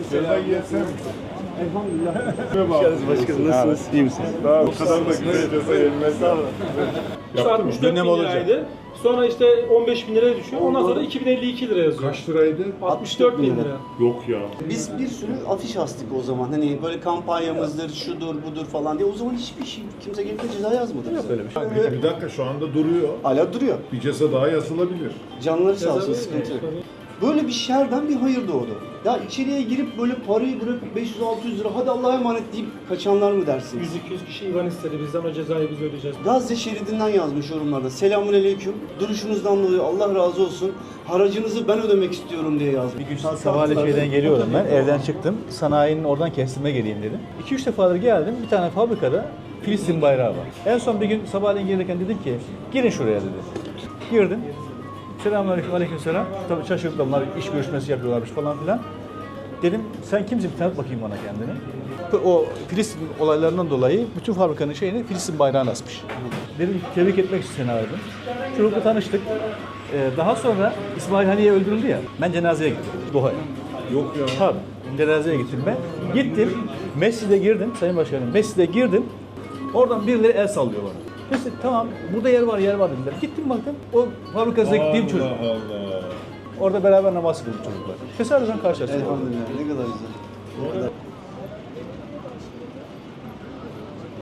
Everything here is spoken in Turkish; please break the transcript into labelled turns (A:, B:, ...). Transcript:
A: Selam yesem.
B: Elhamdülillah. Hoş başkanım. Nasılsınız? İyi misiniz?
A: Daha o kadar da güzel ceza yenmez.
B: Sağ olun.
C: 64 bin liraydı. Sonra işte 15 bin liraya düşüyor. Ondan sonra 2052 lira yazıyor.
A: Kaç liraydı?
C: 64 bin lira.
A: Yok ya.
B: Biz bir sürü afiş astık o zaman. Hani böyle kampanyamızdır, şudur, budur falan diye. O zaman hiçbir şey, kimse gelip de ceza yazmadı. Yok öyle bir şey.
A: Bir dakika şu anda duruyor.
B: Hala duruyor.
A: Bir ceza daha yazılabilir.
B: Canları sağ olsun,
C: Ceza
B: sıkıntı yok.
C: veriyor.
B: Böyle bir şerden bir hayır doğdu. Ya içeriye girip böyle parayı bırakıp 500-600 lira hadi Allah'a emanet deyip kaçanlar mı dersiniz?
C: 100-200 kişi IBAN istedi bizden, o cezayı biz ödeyeceğiz.
B: Gazze şeridinden yazmış yorumlarda. Selamünaleyküm. Duruşunuzdan dolayı Allah razı olsun. Haracınızı ben ödemek istiyorum diye yazmış.
D: Bir gün sabahleyin şeyden geliyorum ben, evden çıktım. Sanayinin oradan kestirme geleyim dedim. 2-3 defadır geldim, bir tane fabrikada Filistin bayrağı var. En son bir gün sabahleyin gelirken dedim ki, girin şuraya dedi. Girdim. Selamünaleyküm, aleykümselam. Tabii şaşırdım, bunlar iş görüşmesi yapıyorlarmış falan filan. Dedim, sen kimsin? Bir tanıt bakayım bana kendini. O Filistin olaylarından dolayı bütün fabrikanın şeyini Filistin bayrağına asmış. Dedim, tebrik etmek için seni aradım. Çocukla tanıştık. Daha sonra İsmail Haniye öldürüldü ya, ben cenazeye gittim Doha'ya.
A: Yok ya.
D: Tabii, cenazeye gittim ben. Gittim, mescide girdim, Sayın Başkanım, mescide girdim. Oradan birileri el sallıyor bana. İşte tamam, burada yer var dediler. Gittim baktım, o fabrikasına gittiğim çocuk.
A: Allah Allah.
D: Orada beraber namaz kıldık çocuklar. Tesadüfen karşılaştık.
B: Elhamdülillah ne kadar güzel.